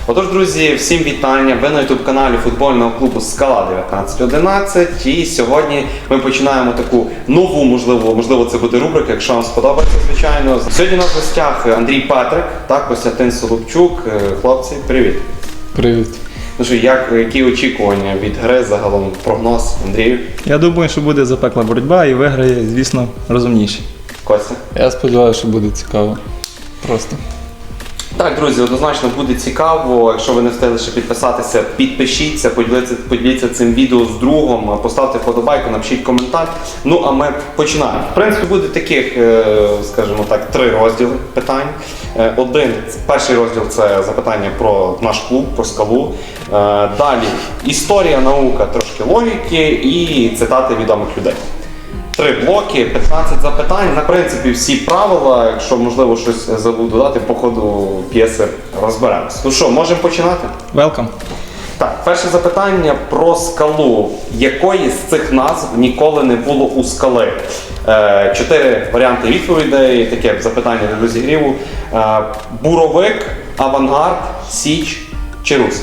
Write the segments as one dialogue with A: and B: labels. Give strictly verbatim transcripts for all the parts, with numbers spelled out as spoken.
A: Отож, друзі, всім вітання! Ви на ютуб-каналі футбольного клубу «Скала дев'ятнадцять одинадцять». І сьогодні ми починаємо таку нову, можливо, можливо, це буде рубрика, якщо вам сподобається, звичайно. Сьогодні у нас в гостях Андрій Петрик та Костянтин Соловчук. Хлопці, привіт!
B: Привіт!
A: Ну що, як, які очікування від гри, загалом прогноз, Андрію?
C: Я думаю, що буде запекла боротьба і виграє, звісно, розумніший.
A: Костя?
B: Я сподіваюся, що буде цікаво. Просто.
A: Так, друзі, однозначно буде цікаво. Якщо ви не встигли ще підписатися, підпишіться, поділіться, поділіться цим відео з другом, поставте вподобайку, напишіть коментар. Ну, а ми починаємо. В принципі, буде таких, скажімо так, три розділи питань. Один, перший розділ – це запитання про наш клуб, про «Скалу». Далі історія, наука, трошки логіки і цитати відомих людей. Три блоки, п'ятнадцять запитань. На принципі, всі правила, якщо, можливо, щось забув додати, по ходу п'єси розберемось. Ну що, можемо починати?
C: Welcome.
A: Так, перше запитання про «Скалу». Якої з цих назв ніколи не було у «Скали»? Е, чотири варіанти відповідей, таке запитання для розігріву. Е, Буровик, Авангард, Січ чи Русь?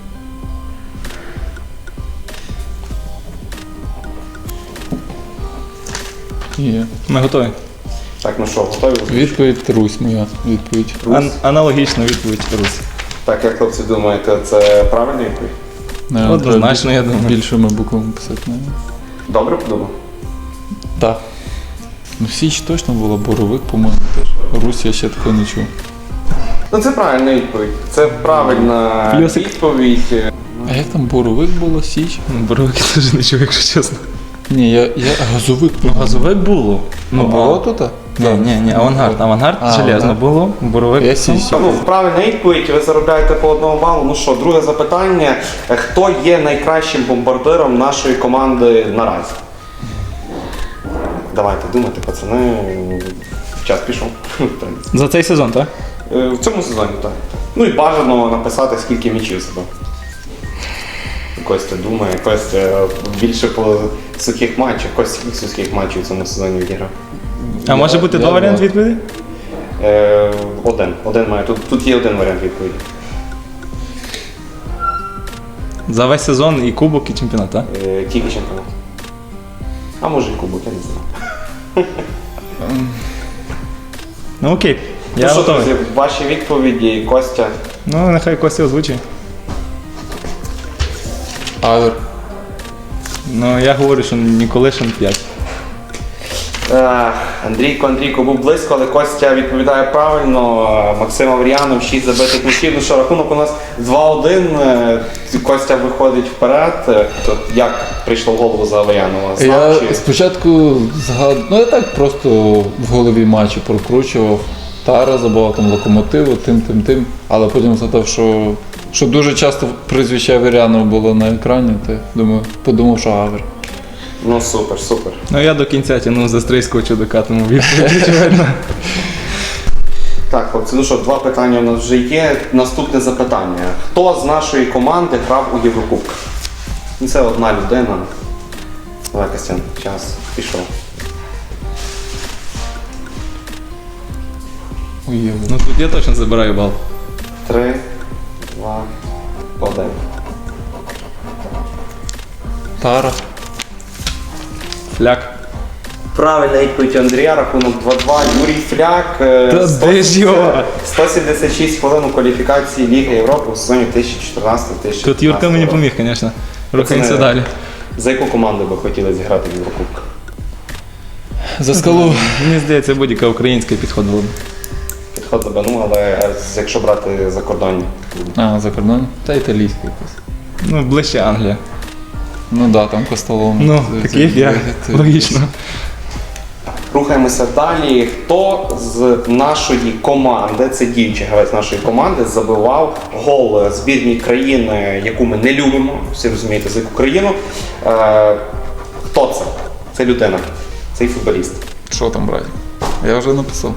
B: Є.
C: Ми готові.
A: Так, ну що, готові?
B: Відповідь Русь моя. Відповідь.
C: Ан- аналогічна відповідь Русь.
A: Так, як хлопці думаєте, це правильна відповідь?
B: Не,
C: Однозначно,
B: треба
C: я думаю.
B: більшими буквами писати. Не.
A: Добре подумав?
B: Так. Ну, Січ точно була, Боровик, по-моєму, теж. Русь я ще такого не чув.
A: Ну це правильна відповідь. Це правильна
C: Плюсик.
A: відповідь.
B: А як там Боровик було, Січ?
C: Боровики теж не чув, якщо чесно.
B: Ні, я, я газовик.
C: Ну, газовик було.
B: Ну, було тут?
C: Ні, ні, ні, авангард. Авангард
B: А,
C: железно
B: авангард.
C: було, боровик.
B: Я Січ.
A: Ну, правильна відповідь, ви заробляєте по одному балу. Ну що, друге запитання. Хто є найкращим бомбардиром нашої команди наразі? Давайте думайте, пацани. Час пішов. в принципі.
C: За цей сезон, так?
A: Е, В цьому сезоні, так. Ну і бажано написати, скільки м'ячів себе. Костя думає, Костя більше по сухих матчах. Костя скільки сухих матчів в цьому сезоні відіграв?
C: А може бути два варіанти відповіді?
A: Е, один. Один має. Тут, тут є один варіант відповіді.
C: За весь сезон і кубок, і чемпіонат, так?
A: Е, тільки чемпіонат. А може і кубок, я не знаю.
C: Ну окей, я
A: ну що,
C: готовий.
A: друзі, ваші відповіді, Костя.
C: Ну, нехай Костя озвучить.
B: Авер.
C: Ну, я говорю, що Ніколишин п'ять.
A: Е, Андрійко, Андрійко був близько, але Костя відповідає правильно. Максим Авріянов, шість забитих м'ячів. Ну що, рахунок у нас два один. Е, Костя виходить вперед. Е, то як прийшло в голову за Авріянова? Знав,
B: Я
A: чи...
B: спочатку згад... ну я так просто в голові матчі прокручував. Тара забував там Локомотиву, тим, тим, тим. Але потім згадав, що, що дуже часто прізвище Авірянова було на екрані, то думаю, подумав, що Авер.
A: Ну супер, супер.
C: Ну, я до кінця тягнув за стрийського чудака, тому відповідь очевидно.
A: Так, хлопці, ну що, два питання у нас вже є. Наступне запитання. Хто з нашої команди грав у Єврокубках? Ну, це одна людина. Давай, Костян, час пішов.
B: Уєву.
C: Ну, тут я точно забираю бал.
A: Три, два, один.
B: Тара.
C: Фляк.
A: Правильна відповідь Андрія, рахунок два-два. Юрій Фляк. е,
C: Та
A: сто
C: де ж його?
A: сто сімдесят шість хвилин у кваліфікації Ліги Європи у сезоні дві тисячі чотирнадцятого - дві тисячі
C: Тут Юрка мені
A: року.
C: поміг, звісно. Рухаємося
A: Пацани,
C: далі.
A: За яку команду би хотіли зіграти в Єврокубках?
B: За скалу.
C: Мені здається, будь-яка українська підходила б.
A: Підход до Бану, але е, якщо брати закордонні.
B: А, за кордоном? Та італійська якась.
C: Ну, ближче Англія.
B: Ну да, там Костолом.
C: Ну, таких я. Логічно.
A: Рухаємося далі. Хто з нашої команди, це діючий гравець нашої команди, забивав гол збірній країни, яку ми не любимо, всі розумієте, за яку країну. Е, хто це? Це людина, цей футболіст.
B: Що там брати? Я вже написав.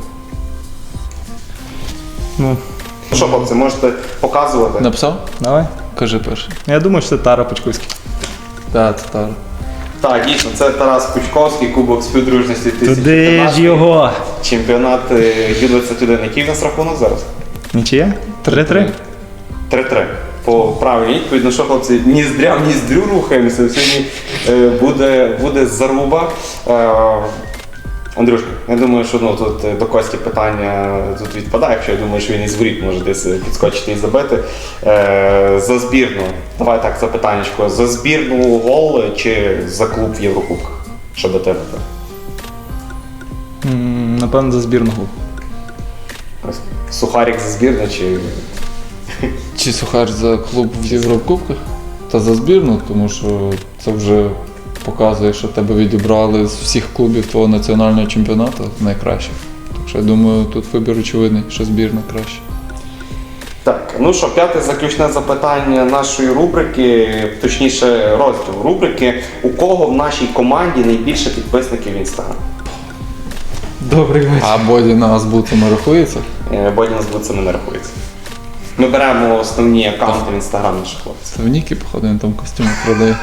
C: Ну,
A: Ну що, хлопці, можете показувати?
B: Написав?
C: давай.
B: Кажи перший.
C: Я думаю, що це Тара Почковський.
B: Так, це Тара.
A: Так, дійсно, це Тарас Пучковський, Кубок співдружності
C: Туди ж
A: дві тисячі п'ятнадцятого.
C: його!
A: Чемпіонат Ю двадцять один. Який в нас рахунок зараз?
C: Нічия? три-три?
A: три-три. По правильній відповідь, ну що, хлопці, ні здря, ні здрю рухаємося. Сьогодні е, буде, буде заруба. Е, Андрюшка, я думаю, що ну, тут е, до Кості питання тут відпадає, якщо я думаю, що він із воріт може десь підскочити і забити. Е, за збірну, давай так, запитаннячко. За збірну гол чи за клуб в Єврокубках? Що до тебе?
C: М, Напевно, за збірну гол.
A: Ось, Сухарик за збірну чи...
B: Чи Сухар за клуб в Єврокубках? Та за збірну, тому що це вже показує, що тебе відібрали з всіх клубів твого національного чемпіонату найкращих. Так що я думаю, тут вибір очевидний, що збірна краще.
A: Так, ну що, п'яте заключне запитання нашої рубрики, точніше розділу рубрики. У кого в нашій команді найбільше підписників в Інстаграм?
C: Добрий вечір.
B: А Бодіна азбуцами рахується?
A: Бодіна з буцами не рахується. Ми беремо основні аккаунти в Інстаграм наших хлопців.
B: Це в Нікі, походу, він там костюми продає.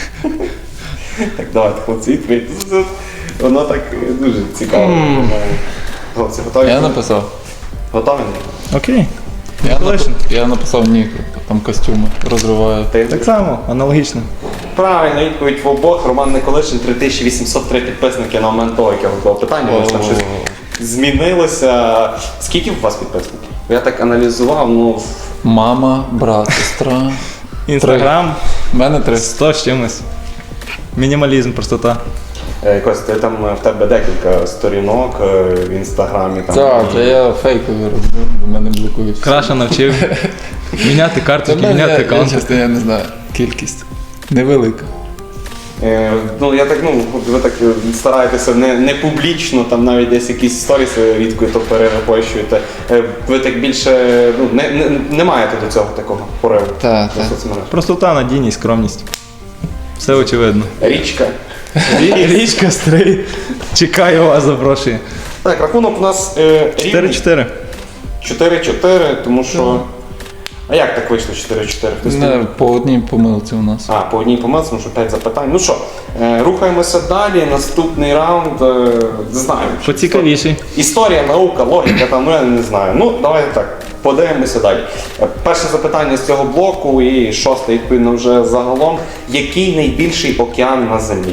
A: Так, давайте, хлопці, відповідь. Воно так дуже цікаво. Хлопці, готові?
B: Я написав.
A: Готові?
C: Окей.
B: Я, нап...
C: Миколишин.
B: я написав Ніку, там костюми розриває.
A: Ти?
C: Так само, аналогічно.
A: Правильно, відповідь в обох. Роман Николишин, три тисячі вісімсот три підписники на момент того, як я готував питання. Може там щось змінилося. Скільки у вас підписників? Я так аналізував, ну...
B: Мама, брат, сестра.
C: Інстаграм
B: У мене три.
C: сто з чимось. Мінімалізм, простота.
A: Е, Кость, ти там в тебе декілька сторінок е, в інстаграмі. Там,
B: Так,
A: і-
B: це я фейковий розбив, бо мене блокують.
C: Краша навчив міняти
B: Це
C: карточки,
B: мене,
C: міняти
B: я, я,
C: аккаунти.
B: чесно, я не знаю, кількість. Невелика.
A: Е, ну, я так, ну, ви так е, стараєтеся не, не публічно, там навіть десь якісь сторіси рідко то перерепощуєте. Е, ви так більше, ну, не, не, не маєте до цього такого пориву
B: Так,
A: на
B: так.
A: соцмережах.
C: Простота, надійність, скромність. Все очевидно.
A: Річка.
C: Рі- Річка Стрий. Чекаю вас, запрошую.
A: Так, рахунок у нас е, рівний.
C: чотири-чотири.
A: чотири-чотири, тому що... А як так вийшло чотири-чотири? Хтось
B: Не, по одній помилці у нас.
A: А, по одній помилці, тому що п'ять запитань. Ну що, е, рухаємося далі. Наступний раунд, е, не знаю. чи
C: Поцікавіший.
A: Історія, наука, логіка, там, ну я не знаю. Ну, давайте так, подивимося далі. Е, Перше запитання з цього блоку і шосте, відповідно, вже загалом. Який найбільший океан на Землі?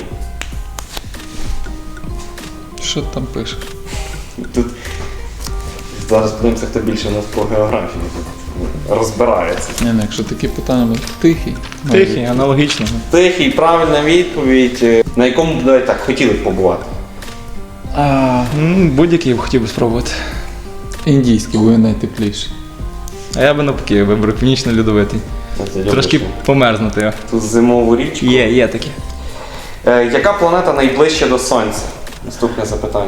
B: Що ти там пишеш?
A: Тут зараз подивимося, хто більше у нас по географії розбирається.
B: Ні, ну, якщо такі питання, будуть тихий.
C: Тихий, аналогічно.
A: Тихий, правильна відповідь. Е, На якому б давайте так хотіли б побувати?
B: А,
C: М, Будь-який б хотів би спробувати.
B: індійський, бо він найтепліший.
C: А я би навпаки вибрав північно-льодовитий.
A: От я люблю,
C: Трошки
A: що
C: померзнути його.
A: Тут зимову річку.
C: Є, є таке.
A: Е, яка планета найближче до Сонця? Наступне запитання.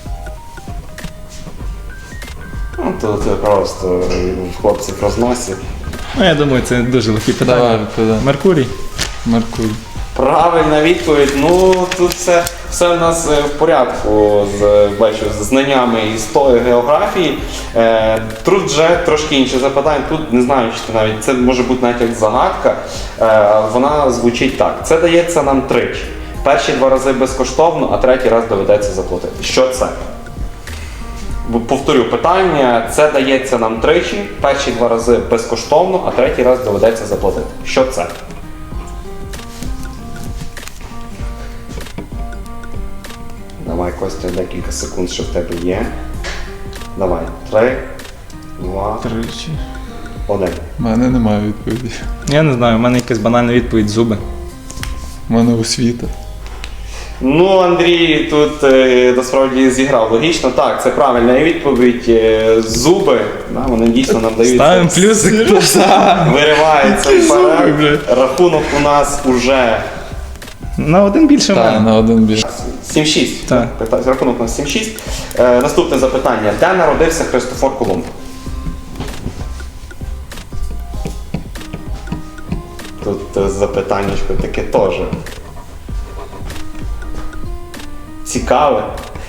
A: Ну, то це просто е, хлопці в розносі.
C: Ну, я думаю, це дуже легкі
B: Давай,
C: питання.
B: відповідай.
C: Меркурій.
B: Меркурій.
A: Правильна відповідь. Ну, тут все, все в нас е, в порядку з, бачу, з знаннями історії, географії. Е, тут вже трошки інше запитання. Тут не знаю, чи це навіть це може бути навіть як загадка. Е, вона звучить так. Це дається нам тричі. Перші два рази безкоштовно, а третій раз доведеться заплатити. Що це? Бо, повторю питання. Це дається нам тричі. Перші два рази безкоштовно, а третій раз доведеться заплатити. Що це? Давай, Костя, декілька секунд, що в тебе є. Давай. Три, два,
B: Тричі.
A: один.
B: У мене немає відповіді.
C: Я не знаю, у мене якась банальна відповідь зуби.
B: У мене освіта.
A: Ну, Андрій тут е, насправді зіграв логічно. Так, це правильна відповідь. Е, зуби, да, вони дійсно нам дають.
C: Ставимо плюсик.
A: Виривається вперед. Рахунок у нас уже
C: На один більше в
B: Так,
C: мене.
B: на один більше.
A: сім шість.
C: Так.
A: Питання- Рахунок у нас сім шість. Е, наступне запитання. Де народився Христофор Колумб? Тут е, запитаннячко таке теж. Цікаве.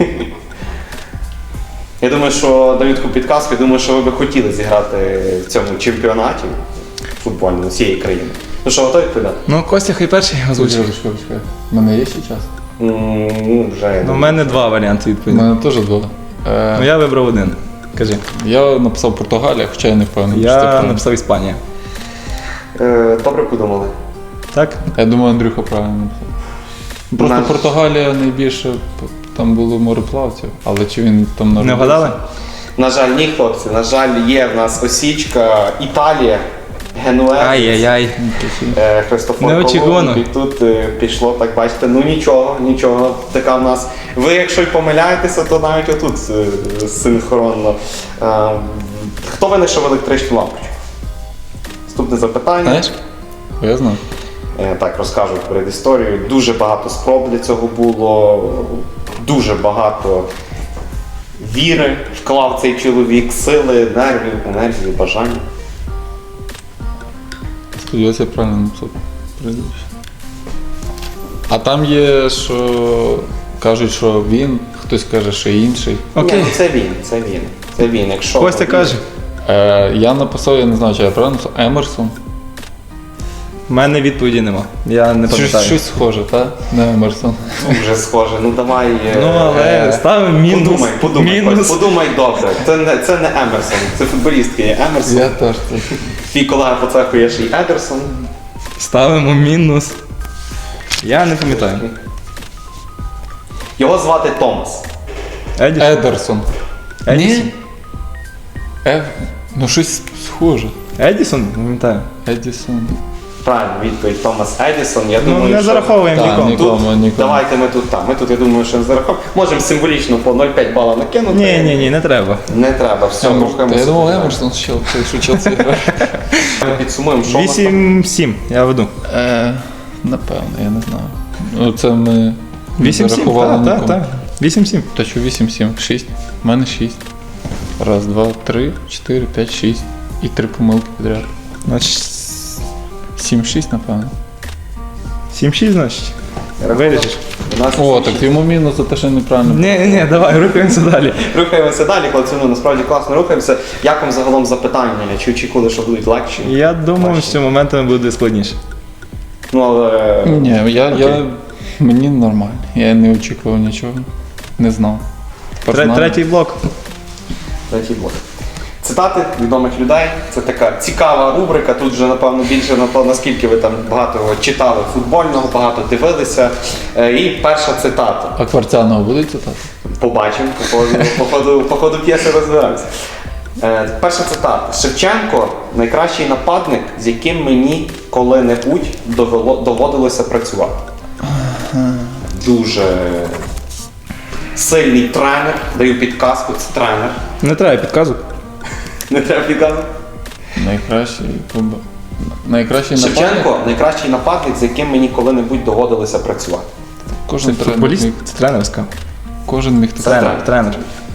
A: Я думаю, що даю таку підказку, я думаю, що ви би хотіли зіграти в цьому чемпіонаті футбольному всієї країни. Ну що, готові відповідати?
C: Ну, Костя, хай перший озвучив.
B: Чекай, чекай, чекай. У мене є ще час?
A: М, Ну, вже. я
C: Ну, у
A: думаю.
C: мене два варіанти
B: У
C: відповіді.
B: мене теж два. Е,
C: Ну, я вибрав один. Кажи.
B: Я написав Португалія, хоча я не впевнений, що це
C: Я
B: правильно.
C: написав Іспанія.
A: Е, Добре подумали.
C: Так?
B: Я думаю, Андрюха правильно написав. Просто
A: Наш-
B: Португалія найбільше, там було мореплавців, але чи він там
C: Не
B: народився?
C: вгадали?
A: На жаль, ні, хлопці. На жаль, є в нас осічка Італія, Генуе.
C: Ай-яй-яй.
A: Е, Христофор
C: Неочікувано.
A: Колумб, і тут е, пішло, так бачите, ну нічого, нічого, така в нас. Ви, якщо й помиляєтеся, то навіть отут е, синхронно. Е, Хто винайшов електричну лампочку? Наступне запитання.
B: Знаєш? Я знаю.
A: Е, Так, розкажу перед історією. Дуже багато спроб для цього було, дуже багато віри вклав цей чоловік, сили, нервів, енергії, бажання.
B: Сподіваюся, я правильно написав прізвище. А там є, що кажуть, що він, хтось каже, що інший.
C: Окей.
A: Ні, ну це він, це він. Це він. Якщо
C: Костя каже.
B: Е, я написав, я не знаю, чи я правильно написав, Емерсон.
C: У мене відповіді нема. Я не
B: Щось,
C: пам'ятаю.
B: щось схоже, так? Не Емерсон.
A: вже схоже, ну давай. е,
C: Ну, але
A: е,
C: ставимо мінус.
A: Подумай, подумай,
C: мінус.
A: Кость, подумай добре. Це не, це не Емерсон, це футболістки є Емерсон.
B: Я теж це.
A: Твій колега по цеху є ще й Едерсон.
C: Ставимо мінус. Я не пам'ятаю.
A: Його звати Томас.
C: Едісон?
B: Едерсон.
C: Едісон?
B: Ні? Ев... Ну щось схоже.
C: Едісон? Не пам'ятаю.
B: Едісон.
A: Правильно, відповідь Томас Едісон. Я
C: Ну,
A: думаю,
C: не
A: що...
C: зараховуємо
B: Так,
C: нікому.
B: ні.
A: Тут,
B: Нікому, нікому.
A: Давайте ми тут там. Ми тут, я думаю, що не зараховуємо. Можемо символічно по нуль цілих п'ять бала накинути.
C: Ні, ні, ні, не треба.
A: Не треба, все,
B: Емер- Та
A: рухаємося.
B: я думав, Емерсон ще цей, що Челсі грає.
A: Ми підсумуємо, що у нас там.
C: вісім сім, я веду.
B: Е, Напевно, я не знаю. Ну, це ми не
C: вісім сім,
B: зарахували
C: так, так,
B: нікому.
C: так. вісім сім.
B: Та що вісім сім? шість. У мене шість. Раз, два, три, чотири, п'ять, шість. І три помилки підряд.
C: Значить,
B: сім шість, напевно.
C: сім шість, значить. Вирішиш.
A: У нас
B: О, так йому мінус за те, що неправильно.
C: Ні, ні, ні, давай, рухаємося далі.
A: Рухаємося далі, хлопці, ну насправді класно рухаємося. Як вам загалом запитання? Чи очікували, що будуть легші?
C: Я думав,
A: Важчі?
C: що моментами буде складніше.
A: Ну, але...
B: Ні, я,
A: Окей.
B: я... Мені нормально. Я не очікував нічого. Не знав. Тепер
C: Тре-
B: знаю.
C: Третій блок.
A: Третій блок. Цитати відомих людей. Це така цікава рубрика. Тут вже, напевно, більше на то, наскільки ви там багато читали футбольного, багато дивилися. Е, І перша цитата.
B: А Кварцянова буде цитати?
A: Побачимо, по ходу, по ходу, по ходу п'єси розберемося. Е, перша цитата. Шевченко найкращий нападник, з яким мені коли-небудь довело, доводилося працювати. Дуже сильний тренер. Даю підказку, це тренер.
C: Не треба підказок.
A: Не треба підказувати.
B: Найкращий футбол. Найкращий нападник.
A: Шевченко найкращий нападник, з яким мені коли-небудь доводилося працювати.
B: Кожен
C: Це
B: тренер
C: футболіст?
B: міг,
C: Це тренерська.
B: кожен міг так.
C: Тренер, тренер.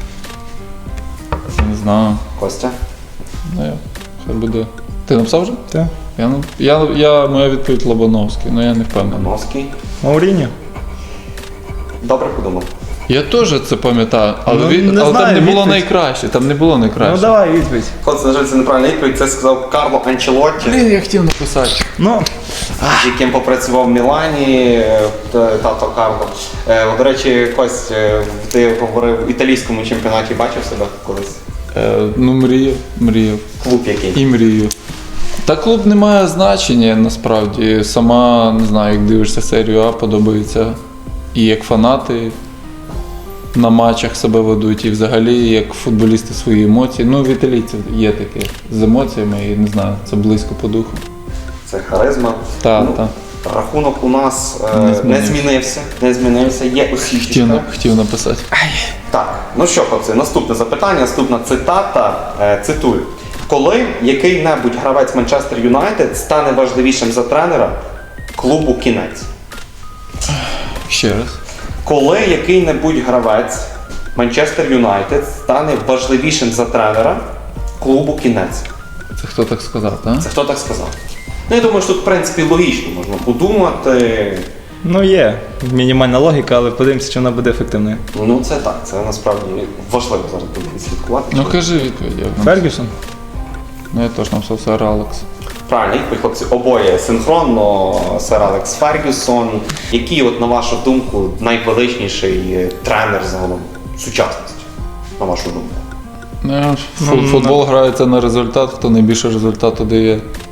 B: Не знаю.
A: Костя.
B: Ну, я, хай буде. Ти написав вже?
C: Так.
B: Я, нап- я, я, моя відповідь Лобановський, але я не впевнений.
A: Мановський.
C: Мауріньо.
A: Добре подумав.
B: Я теж це пам'ятаю, але,
C: Ну,
B: він,
C: не
B: але
C: знаю,
B: там не було
C: відповідь.
B: найкраще. Там не було найкраще.
C: Ну давай відповідь.
A: Хлопці, на жаль, це неправильна відповідь. Це сказав Карло Анчелотті,
B: Блін, я хотів написати.
C: Ну,
A: з яким попрацював в Мілані, е, т- тато Карло. Е, До речі, Кость, е, ти говорив в італійському чемпіонаті, бачив себе колись?
B: Е, ну, мріяв, мріяв.
A: Клуб який?
B: І мрію. Та клуб не має значення насправді. Сама, не знаю, як дивишся серію А, подобається. І як фанати на матчах себе ведуть, і взагалі як футболісти свої емоції. Ну, в італійців є таке з емоціями, і не знаю, це близько по духу.
A: Це харизма.
B: Та,
A: Ну,
B: та.
A: Рахунок у нас е,
B: Не
A: не,
B: змінився.
A: змінився. Не змінився, є
B: Хотів,
A: осічка.
B: на- хотів написати.
A: Так, ну що, хлопці, наступне запитання, наступна цитата. Е, цитую. Коли який-небудь гравець Манчестер Юнайтед стане важливішим за тренера, клубу кінець.
B: Ще раз.
A: Коли який-небудь гравець Манчестер Юнайтед стане важливішим за тренера, клубу кінець.
B: Це хто так сказав, так?
A: Це хто так сказав? Ну, я думаю, що тут, в принципі, логічно можна подумати.
C: ну є мінімальна логіка, але подивимося, чи вона буде ефективною.
A: Ну, це так, це насправді важливо зараз буде слідкувати.
B: Ну кажи відповідь. як нам.
C: Фергюсон?
B: Ну я теж написав сер Алекс.
A: Правильно, відповідь, хлопці, обоє синхронно, сер Алекс Фергюсон. Який, от, на вашу думку, найвеличніший тренер загалом сучасності, на вашу думку?
B: Ну,
C: Ну,
B: фу- футбол грається на результат, хто найбільше результату дає.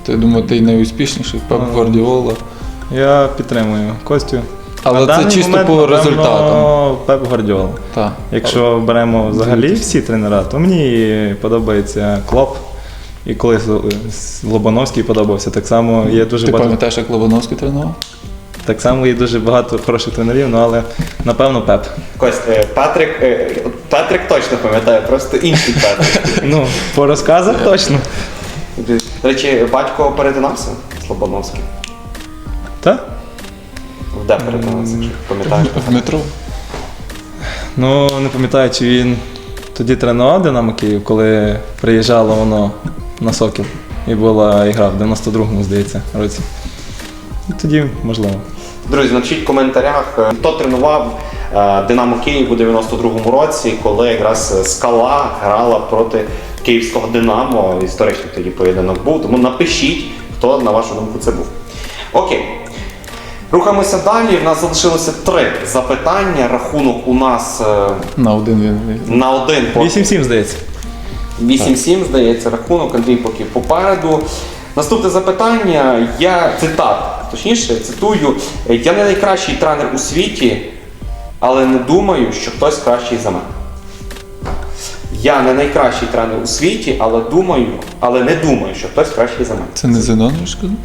B: То я думаю, ти найуспішніший, Пеп
C: Ну,
B: Гвардіола.
C: Я підтримую Костю.
B: Але
C: На
B: це
C: даний
B: чисто
C: момент,
B: по
C: напевно,
B: результатам.
C: Пеп Гвардіола.
B: Так.
C: Якщо беремо взагалі
B: Дивитись.
C: всі тренера, то мені подобається Клоп. І коли Лобановський подобався, так само є дуже
B: Ти
C: багато.
B: пам'ятаєш, як Лобановський тренував?
C: Так само є дуже багато хороших тренерів, ну але напевно Пеп.
A: Кость, е, Патрик, е, Патрик точно пам'ятає, просто інший Патрик.
C: Ну, по розказах точно.
A: До речі, батько перетинався з Лобановським.
C: Так?
A: Де перетинався, якщо пам'ятаєш?
B: В метро.
C: Ну, не пам'ятаю, чи він тоді тренував Динамо Київ, коли приїжджало воно на Сокіл. І була ігра в дев'яносто другому, здається, році. І тоді, можливо.
A: Друзі, напишіть в коментарях, е, хто тренував е, Динамо Київ у дев'яносто другому році, коли якраз Скала грала проти київського Динамо. Історичний тоді поєдинок був. Тому напишіть, хто, на вашу думку, це був. Окей. Рухаємося далі. В нас залишилося три запитання. Рахунок у нас е,
B: На один він.
A: на один. по-
C: вісім сім, здається.
A: вісім сім, здається, рахунок, Андрій поки попереду. Наступне запитання, я цитат, точніше, цитую, я не найкращий тренер у світі, але не думаю, що хтось кращий за мене. Я не найкращий тренер у світі, але думаю, але не думаю, що хтось кращий за мене.
B: Це не Зенонович сказав?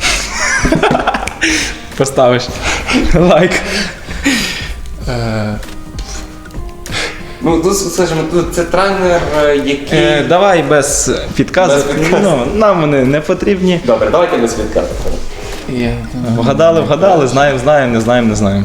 C: Поставиш лайк.
B: Е,
A: Ну, тут, скажімо, тут це тренер, е, який...
C: Е, давай без підказок.
A: Без підказок.
C: Ну, нам вони не потрібні.
A: Добре, давайте без відказу.
B: я...
C: Вгадали, вгадали, знаємо, знаємо, не знаємо, не знаємо.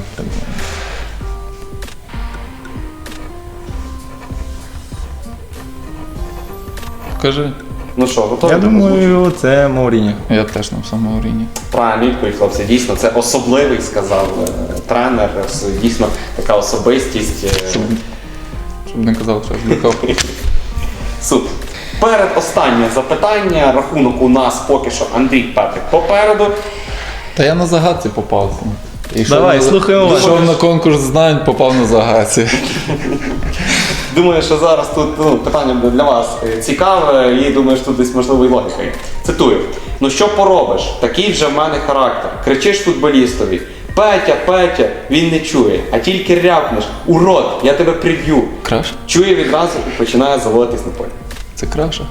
B: Покажи.
A: Ну що, готові?
C: Я думаю, це Мауріньо.
B: Я теж написав Мауріні.
A: Правильно відповідь, хлопці. Дійсно, це особливий, сказав е, тренер, с- дійсно така особистість. е,
B: Щоб, щоб не казав, що я злякав.
A: Супер. Перед останнє запитання. Рахунок у нас поки що Андрій Петрик попереду.
B: Та я на загадці попав. Йшов
C: Давай,
B: на-
C: слухаємо вас.
B: Йшов на конкурс знань, попав на загадці.
A: Думаю, що зараз тут ну, питання буде для вас е, цікаве і думаю, що тут десь можливо і логіка є. Цитую. Ну що поробиш? Такий вже в мене характер. Кричиш футболістові. Петя, Петя, він не чує, а тільки рявкнеш. Урод, я тебе приб'ю.
B: Краша?
A: Чує відразу і починає заводитись на полі.
B: Це краша?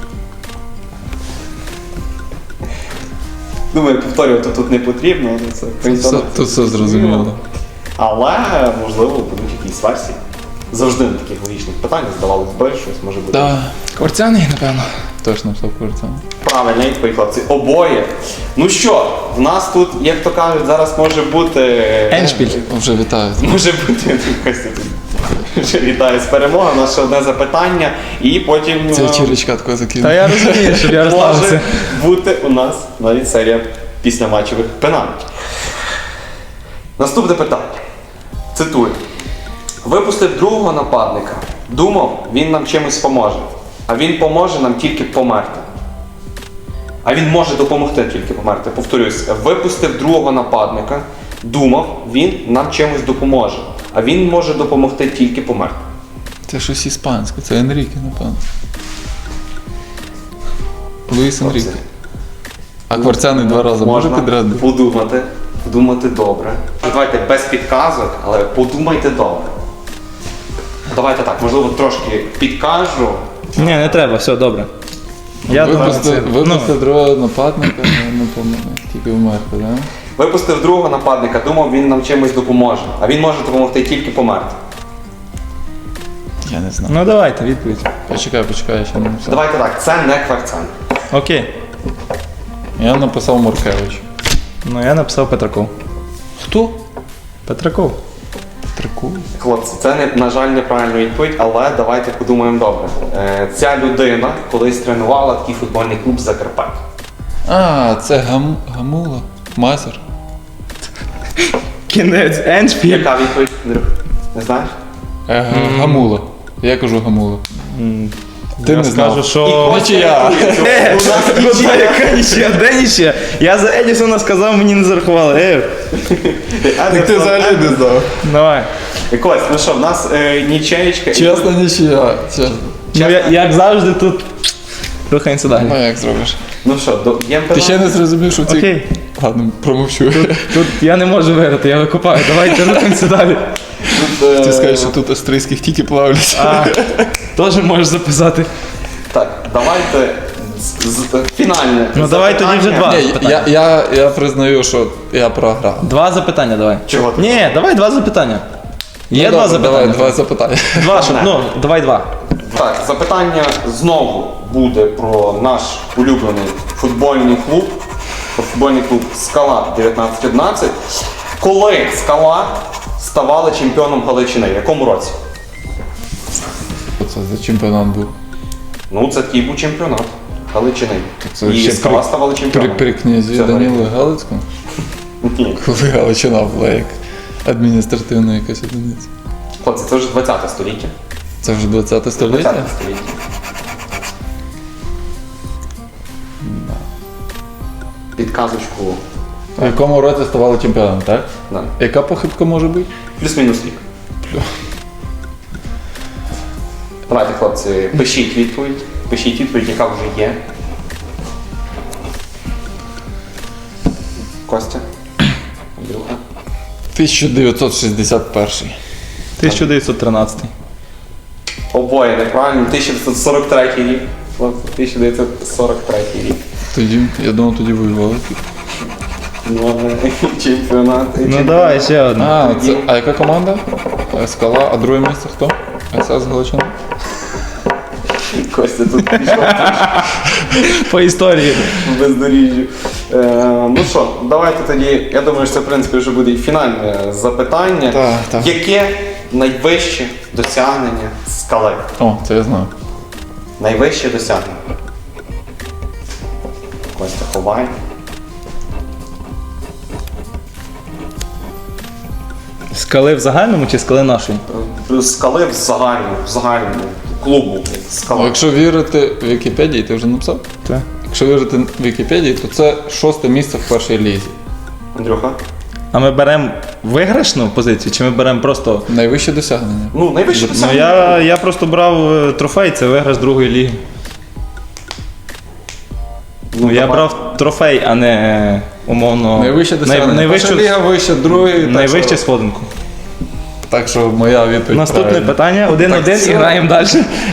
A: Думаю, повторювати тут не потрібно, але це
B: Тут все, тут все зрозуміло.
A: Але, можливо, будуть якісь версії. Завжди на таких логічних питаннях здавалось би, щось може бути.
B: Так,
C: Кварцяний, напевно.
B: точно написав Курцян.
A: Правильно, відповідь, хлопці. Обоє. Ну що, в нас тут, як то кажуть, зараз може бути.
C: Еншпіль.
B: Вже вітаю.
A: Може бути Костя тут. Вже вітаю з перемогою. У нас ще одне запитання, і потім
B: Це
A: е,
B: черечка така закинула.
C: Та я розумію, щоб я
A: може
C: розслабився.
A: бути у нас навіть серія післяматчевих пенальтів. Наступне питання. Цитую. Випустив другого нападника. Думав, він нам чимось поможе. А він поможе нам тільки померти. А він може допомогти тільки померти. Повторюсь, випустив другого нападника. Думав, він нам чимось допоможе. А він може допомогти тільки померти.
B: Це щось іспанське, це Енріке, напевно. Луїс Енріке. А Кварцяний два рази може
A: Можна
B: підряд?
A: подумати, подумати добре. Давайте без підказок, але подумайте добре. Давайте так, можливо, трошки підкажу.
C: Ні, не треба, все добре. Я думаю,
B: Випусти,
C: це...
B: випусти
C: ну,
B: другого нападника, ну, не помогли, тільки вмерти, так? Да?
A: Випустив другого нападника, думав, він нам чимось допоможе. А він може допомогти тільки померти.
B: Я не знаю.
C: ну давайте, відповідь.
B: Почекай, почекай, я ще не написав.
A: Давайте так, це не Кварцян.
C: Окей.
B: Я написав Моркевич.
C: Ну я написав Петраков.
B: Хто?
C: Петраков.
B: Трику.
A: Хлопці, це, не, на жаль, неправильна відповідь, але давайте подумаємо добре. Е, ця людина колись тренувала такий футбольний клуб Закарпаття.
B: А, це гам... Гамула. Мазер.
C: Кінець Еншпіль.
A: Яка відповідь, Андрюх? Не знаєш?
B: Е, Гамула. Я кажу Гамула. Ти
C: Я
B: не знав.
C: скажу, що...
B: Нічия.
C: Е, куди, яка нічия? Де нічия? Я за Едісона сказав, мені не зарахували. Е,
B: Ти взагалі не знав.
C: давай.
A: Кость, ну що, в нас е, нічеєчка.
B: Чесно, нічия. Чесно.
C: Ну, я, як завжди тут Рухаємося далі.
B: Ну як зробиш?
A: Ну що, до єм
B: Ти ще не зрозумів, що в цій...
C: Окей.
B: Ладно, промовчу.
C: Тут я не можу виграти, я викупаю. Давайте рухаємося далі.
B: Ти скажеш, що тут австрійських тільки плавлять.
C: А, теж можеш записати.
A: Так, давайте з, з, фінальне.
C: Ну, давай тоді вже два.
B: Ні, я, я, я признаю, що я програв.
C: Два запитання давай.
A: Чого ти?
C: Ні, давай два запитання. Є
B: Ну,
C: два
B: добре,
C: запитання.
B: Давай, два запитання.
C: Два, щоб, ну, давай два.
A: Так, запитання знову буде про наш улюблений футбольний клуб. Про футбольний клуб Скала дев'ятнадцять одинадцять. Коли Скала ставала чемпіоном Галичини? В якому році?
B: Що це за чемпіонат був?
A: Ну, це такий був чемпіонат Галичини.
B: Це
A: І
B: ще
A: Скала
B: при-
A: ставала
B: При,
A: чемпіоном.
B: при князі
A: Це
B: Данілу Галицькому?
A: Ні.
B: Коли Галичина була як адміністративна якась одиниця.
A: Хлопці, це вже двадцяте століття.
B: Це вже двадцяте століття?
A: двадцяте століття. Підказочку.
B: В якому році ставали чемпіоном, так?
A: Да.
B: Яка похибка може бути?
A: Плюс-мінус рік. Давайте, хлопці, пишіть відповідь. Пишіть відповідь, яка вже є. Костя. Андрюха.
B: тисяча дев'ятсот шістдесят перший.
C: тисяча дев'ятсот тринадцятий.
A: Обоє неправильно. тисяча дев'ятсот сорок третій рік. Хлопці, тисяча дев'ятсот сорок третій рік.
B: Тоді, я думав, тоді воювали.
A: Ну, чемпіонат.
C: Ну давай ще одне.
B: А, це, а яка команда? Скала, а друге місце хто? ес ес Галичина?
A: Костя тут пішов
C: По історії.
A: в бездоріжжю. Е, ну що, давайте тоді, я думаю, що це в принципі вже буде і фінальне запитання.
B: Так, так.
A: Яке найвище досягнення Скали?
B: О, це я знаю.
A: Найвище досягнення. Костя, ховай.
C: Скали в загальному чи скали нашої?
A: Е, Скали в загальному, в загальному клубу.
B: О,
A: Скала.
B: якщо вірити Вікіпедії, ти вже написав?
C: Так.
B: Якщо вірити Вікіпедії, то це шосте місце в першій лізі.
A: Андрюха?
C: А ми беремо виграшну позицію, чи ми беремо просто.
B: Найвище досягнення.
A: Ну, найвище
C: Ну
A: досягнення.
C: я, я просто брав е, трофей, це виграш другої ліги. Ну, я
A: давай.
C: брав трофей, а не е, умовно.
B: Найвище досягнення.
C: най-
B: Перша
C: найвищу,
B: ліга вища, другий. Так,
C: найвищу
B: що,
C: сходинку.
B: так що моя відповідь
C: Наступне
B: правильна.
C: питання, один-один
B: все.
C: і граємо далі.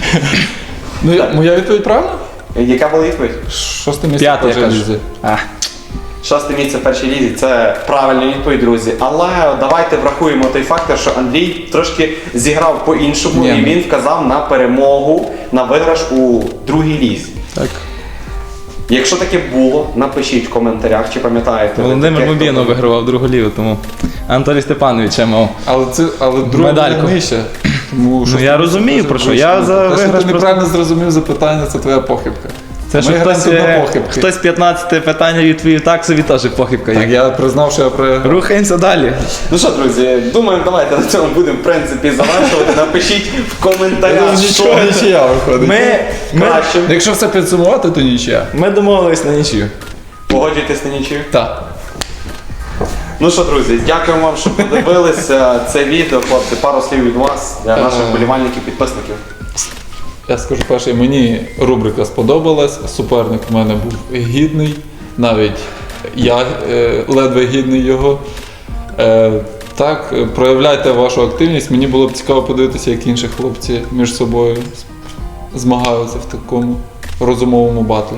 B: Ну, я- моя відповідь правильна?
A: Яка була відповідь?
B: Шосте місце в
C: П'яте, я
B: першій
C: кажу.
B: лізі.
C: А,
A: Шосте місце в першій лізі це правильна відповідь, друзі. Але давайте врахуємо той фактор, що Андрій трошки зіграв по-іншому
B: Ні,
A: і
B: ну.
A: він вказав на перемогу, на виграш у другій лізі.
C: так.
A: Якщо таке було, напишіть в коментарях, чи пам'ятаєте. ви
C: Володимир
A: таке,
C: Мобінов
A: хто-
C: вигравав другу лігу, тому Анатолій Степанович я мав.
B: Але це, але друга
C: Медальку.
B: не нижче. Тому
C: Ну, я розумію, про що. Я за
B: Те, що
C: виграш
B: ти неправильно зрозумів запитання, це твоя похибка.
C: Це що
B: Ми
C: хтось,
B: граємо на
C: е,
B: похибки.
C: хтось п'ятнадцяте питання відповів так, собі теж похибка.
B: Так,
C: є.
B: я признав, що я програв.
C: Рухаємося далі.
A: Ну що, друзі, думаю, давайте на цьому будемо в принципі завершувати. Напишіть в коментарях, що
B: Нічого, нічия виходить.
C: Ми, ми,
A: краще.
B: Якщо все підсумувати, то нічия.
C: ми домовились на нічию.
A: Погоджуйтесь на нічию.
B: Так.
A: Ну що, друзі, дякуємо вам, що подивилися це відео. Хлопці, пару слів від вас для наших
B: Е.
A: вболівальників, підписників.
B: Я скажу перше, мені рубрика сподобалась, суперник у мене був гідний, навіть я е, ледве гідний його. Е, так, е, проявляйте вашу активність. Мені було б цікаво подивитися, як інші хлопці між собою з- змагаються в такому розумовому батлі.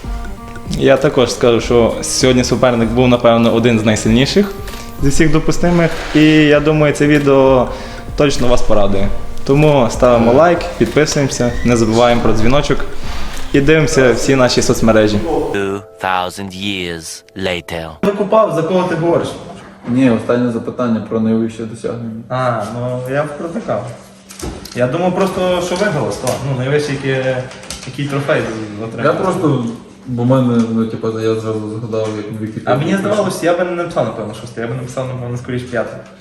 C: Я також скажу, що сьогодні суперник був, напевно, один з найсильніших зі всіх допустимих. І я думаю, це відео точно вас порадує. Тому ставимо лайк, підписуємося, не забуваємо про дзвіночок і дивимося всі наші соцмережі.
D: Two thousand years later.
C: Викупав, за кого ти говориш?
B: Ні, останнє запитання про найвище досягнення.
C: А, ну я протикав. Я думав просто, що виграло сто. Ну, найвищий який, який трофей отримав.
B: Я просто, бо в мене, ну, типу, я зразу згадав, як в Вікіпедії.
C: А мені здавалося, я би не написав, напевно, шосте, я би написав, напевно, скоріше п'яте.